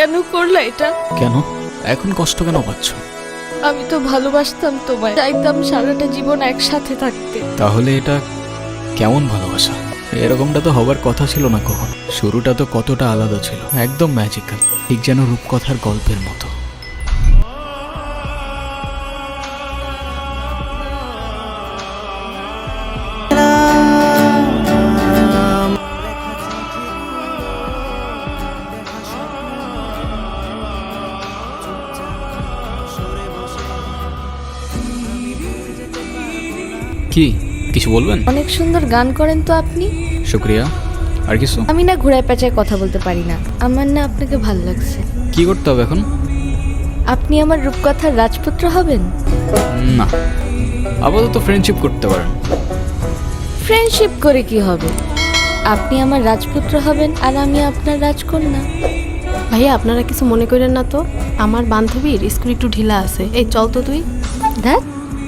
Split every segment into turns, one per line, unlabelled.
কেন করলা এটা?
কেন এখন কষ্ট কেন পাচ্ছ?
আমি তো ভালোবাসতাম তোমায়, চাইতাম সারাটা জীবন একসাথে থাকতে।
তাহলে এটা কেমন ভালোবাসা? এরকমটা তো হবার কথা ছিল না কখন। শুরুটা তো কতটা আলাদা ছিল, একদম ম্যাজিক্যাল, ঠিক যেন রূপকথার গল্পের মতো। কি কিছু বলবেন?
অনেক সুন্দর গান করেন তো আপনি।
শুক্রিয়া। আর কিছু?
আমি না ঘুরায় পেঁচায় কথা বলতে পারি না। আমার না আপনাকে ভালো লাগছে।
কি করতে হবে এখন?
আপনি আমার রূপকথার রাজপুত্র হবেন।
না, আপাতত ফ্রেন্ডশিপ করতে পারেন।
ফ্রেন্ডশিপ করে কি হবে? আপনি আমার রাজপুত্র হবেন আর আমি আপনার রাজকন্যা।
ভাইয়া আপনারা কিছু মনে করেন না তো, আমার বান্ধবীর স্কুল একটু ঢিলা আছে, এই চল তো তুই।
দেখ,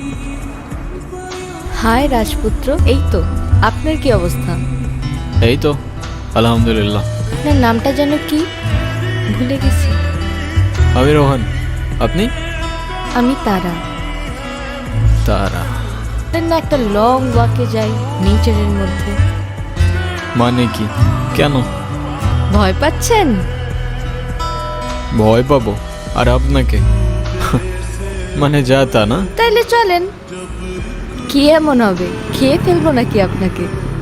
হাই রাজপুত্র। এই তো, আপনার কি অবস্থা?
এই তো আলহামদুলিল্লাহ।
আপনার নামটা যেন কি? ভুলে গেছি।
আমি রোহান। আপনি?
আমি তারা।
তারা?
না, একটা লং ওয়াকে যাই নেচারের মধ্যে।
মানে কি? কেন?
ভয় পাচ্ছেন?
ভয় পাবো আর আপনাকে? মানে যা তা না।
তাইলে চলেন। কি এমন হবে, খেয়ে ফেলবো নাকি আপনাকে?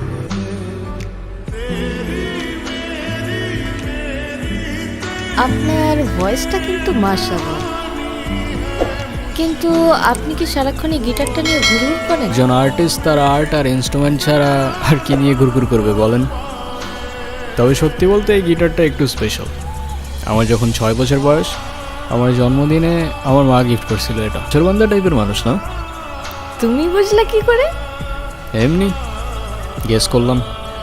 আপনার ভয়েসটা কিন্তু মাশাআল্লাহ। কিন্তু আপনি কি সারাক্ষণ এই গিটারটা নিয়ে ঘুরঘুর করেন?
একজন আর্টিস্ট তার আর্ট আর ইনস্ট্রুমেন্ট ছাড়া আর কি নিয়ে ঘুরঘুর করবে বলেন? তবে সত্যি বলতে এই গিটারটা একটু স্পেশাল। আমার যখন 6 বছর বয়স, আমার জন্মদিনে আমার মা গিফট করছিল এটা। চোরবান্ধা টাইপের মানুষ না?
তুমি বুঝলে কি করে?
এমনি গেস করলাম।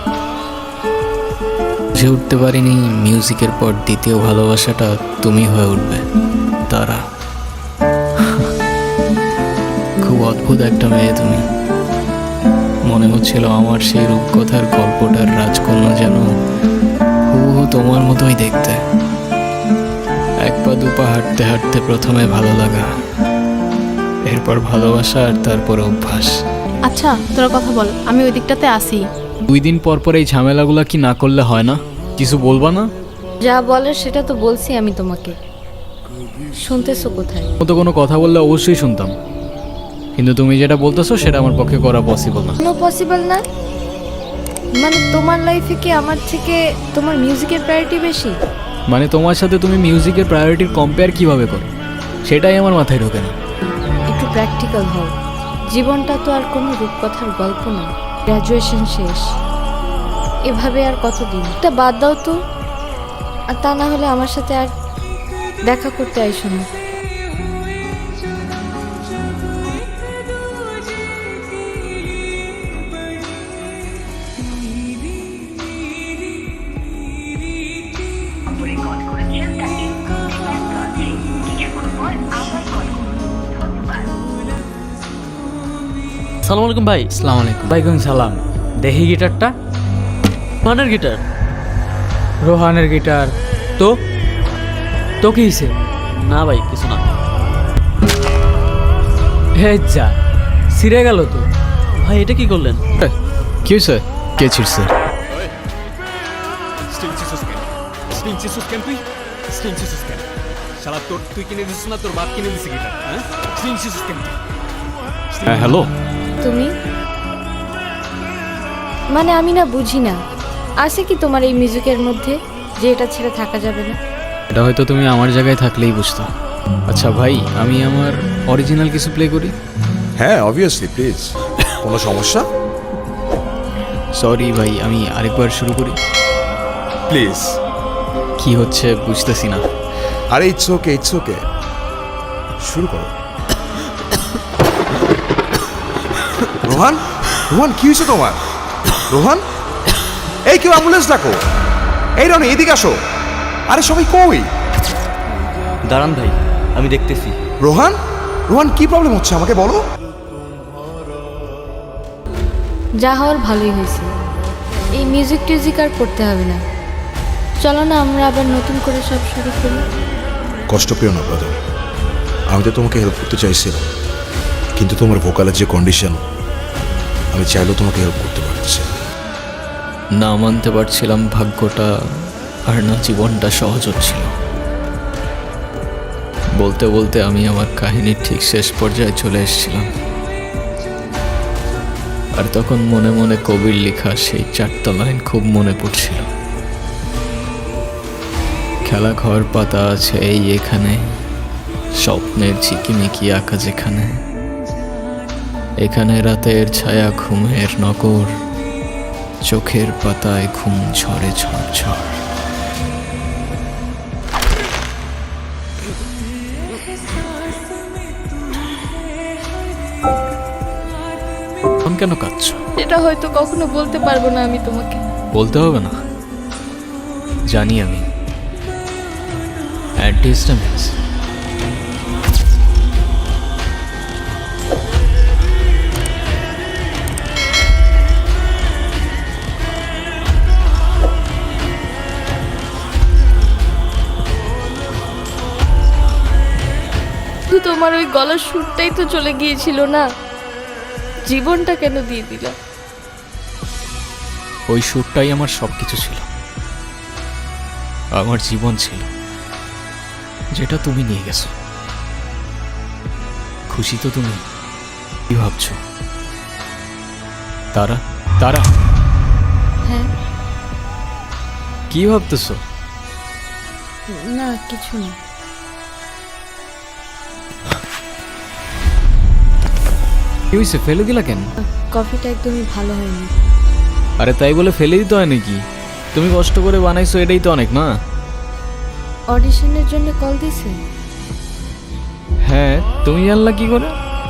বুঝে উঠতে পারিনি মিউজিকের পর দ্বিতীয় ভালোবাসাটা তুমি হয়ে উঠবে। তারা খুব অদ্ভুত একটা মেয়ে তুমি। মনে হচ্ছিল আমার সেই রূপকথার গল্পটার রাজকন্যা যেন হুবহু তোমার মতোই দেখতে। এক পা দুপা হাঁটতে হাঁটতে প্রথমে ভালো লাগা, এরপর ভালোবাসা, আর তারপর অভ্যাস।
আচ্ছা তোরা কথা বল, আমি ওই দিকটাতে আসি।
2 দিন পর পর এই ঝামেলাগুলা কি না করলে হয় না? কিছু বলবা না?
যা বলার সেটা তো বলছি আমি তোমাকে। শুনতেছো কোথায়?
মতো কোনো কথা বললে অবশ্যই শুনতাম, কিন্তু তুমি যেটা বলতেছো সেটা আমার পক্ষে করা পসিবল না।
কোনো পসিবল না? মানে তোমার লাইফে কি আমার থেকে তোমার মিউজিকের প্রায়োরিটি বেশি?
মানে তোমার সাথে তুমি মিউজিকের প্রায়োরিটির কম্পেয়ার কিভাবে করো সেটাই আমার মাথায় ঢোকে না।
একটু প্র্যাকটিক্যাল হও। জীবনটা তো আর কোনো রূপকথার গল্প না। গ্র্যাজুয়েশন শেষ, এভাবে আর কতদিন? এটা বাদ দাও তো। আর তা না হলে আমার সাথে আর দেখা করতে আইসো না।
সালাম আলাইকুম ভাই।
আসসালামু আলাইকুম।
ওয়ালাইকুম সালাম। দেখি গিটারটা। রোহানের গিটার?
রোহানের গিটার?
তো
তো কি হয়েছে?
না ভাই কিছু না।
হে যা, ছিঁড়ে গেল তো।
ভাই এটা কি করলেন?
কি হয়েছে? কে ছিড়ছে? হ্যাঁ হ্যালো।
তুমি মানে আমি না বুঝি না, আছে কি তোমার এই মিউজিকের মধ্যে যে এটা ছেড়ে থাকা যাবে না?
এটা হয়তো তুমি আমার জায়গায় থাকলেই বুঝতো। আচ্ছা ভাই, আমি আমার অরিজিনাল কিছু প্লে করি?
হ্যাঁ অবভিয়াসলি, প্লিজ। কোনো সমস্যা?
সরি ভাই, আমি আরেকবার শুরু করি।
প্লিজ।
কি হচ্ছে বুঝতেছি না।
আরে ইটস ওকে, ইটস ওকে, শুরু করো। রোহান, রোহান কি হয়েছে তোমার? রোহান, এই কেউ অ্যাম্বুলেন্স ডাকো। এই রনি এদিকে আসো। আরে সবাই কই?
দাঁড়ান ভাই, আমি দেখতেছি।
রোহান, রোহান কি প্রবলেম হচ্ছে আমাকে বলো।
যা হওয়ার ভালোই হয়েছে। এই মিউজিক টিউজিক আর করতে হবে না। চলো না আমরা আবার নতুন করে সব শুরু করি।
কষ্ট পেও না ব্রাদার, আমি তো তোমাকে হেল্প করতে চাইছিলাম, কিন্তু তোমার ভোকালের যে কন্ডিশন, আমি চাইলেও তোমাকে হেল্প করতে পারছি না।
না মানতে পারছিলাম ভাগ্যটা, আর না জীবনটা সহজ হচ্ছিল। বলতে বলতে আমি আমার কাহিনীর ঠিক শেষ পর্যায়ে চলে এসেছিলাম। আর তখন মনে মনে কবির লেখা সেই 4টা লাইন খুব মনে পড়ছিল। খেলা ঘর পাতা আছে এই এখানে, স্বপ্নের ঝিকিমিকি আঁকা যেখানে, এখানে রাতের ছায়া ঘুমের নগর, চোখের পাতায় ঘুম ঝরে ঝরঝর। এখন কেন কাঁদছো?
এটা হয়তো কখনো বলতে পারবো না আমি তোমাকে।
বলতে হবে না, জানি আমি। অ্যাডজাস্টমেন্টস
শুধু তোমার ওই গলার সুরটাই তো চলে গিয়েছিল না, জীবনটা কেন দিয়ে দিলা?
ওই সুরটাই আমার সবকিছু ছিল, আমার জীবন ছিল, যেটা তুমি নিয়ে গেছো। খুশি তো তুমি? কি ভাবছো? তারা তারা
হ্যাঁ।
কি ভাবতেছো?
না কিছু না।
কি হয়েছে, ফেলে দিলা কেন?
কফিটা একদমই ভালো হয়নি।
আরে তাই বলে ফেলে দিতে হয় নাকি? তুমি কষ্ট করে বানাইছো, এটাই তো অনেক না?
অডিশনের জন্য কল দিছে?
হ্যাঁ, তুমি জানলা কি করে?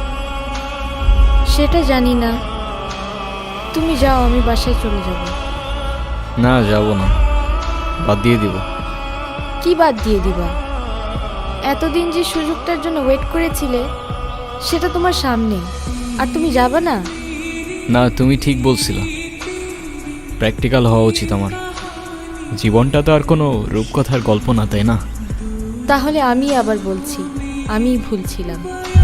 সেটা জানি না, তুমি যাও, আমি বাসায় চলে যাব।
না, যাব না, বাদ দিয়ে দিব।
কি বাদ দিয়ে দিবা? এতদিন যে সুযোগটার জন্য ওয়েট করেছিলে সেটা তোমার সামনে, আর তুমি যাবা না?
না, তুমি ঠিক বলছিলা, প্র্যাকটিক্যাল হওয়া উচিত আমার। জীবনটা তো আর কোনো রূপকথার গল্প না, তাই না?
তাহলে আমি আবার বলছি, আমি ভুল ছিলাম,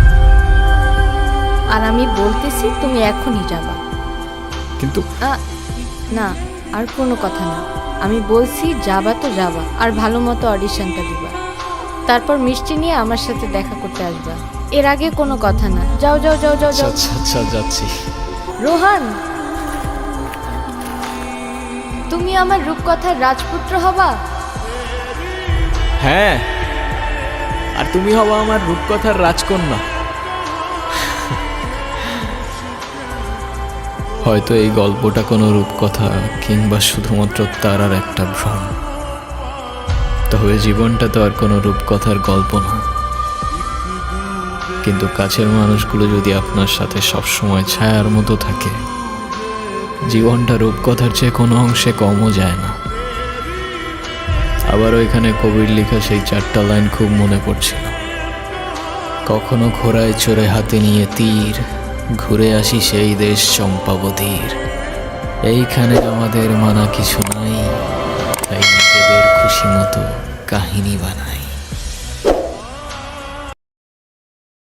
আর আমি বলতেছি তুমি এখনই যাবা।
কিন্তু
না, আর কোনো কথা না, আমি বলছি যাবা তো যাবা, আর ভালো মতো অডিশনটা দিবা, তারপর মিষ্টি নিয়ে আমার সাথে দেখা করতে আসবা। এর আগে কোনো কথা না, যাও যাও যাও যাও যাও।
আচ্ছা আচ্ছা, যাচ্ছি।
রোহান, তুমি আমার রূপকথার রাজপুত্র হবা।
হ্যাঁ, আর তুমি হবা আমার রূপকথার রাজকন্যা। হয়তো এই গল্পটা কোনো রূপকথা কিংবা শুধুমাত্র তারার একটা ভ্রম, তবে জীবনটা তো আর কোনো রূপকথার গল্প না। কিন্তু কাছের মানুষগুলো যদি আপনার সাথে সবসময় ছায়ার মতো থাকে, জীবনটা রূপকথার চেয়ে কোনো অংশে কমও যায় না। আবার ওইখানে কবির লেখা সেই 4টা লাইন খুব মনে পড়ছিল। কখনো ঘোড়ায় চড়ে হাতে নিয়ে তীর, ঘুরে আসি সেই দেশ চম্পাবতীর। এইখানে আমাদের মানা কিছু নাই, তাই নিজেদের খুশি মতো কাহিনী বানাই।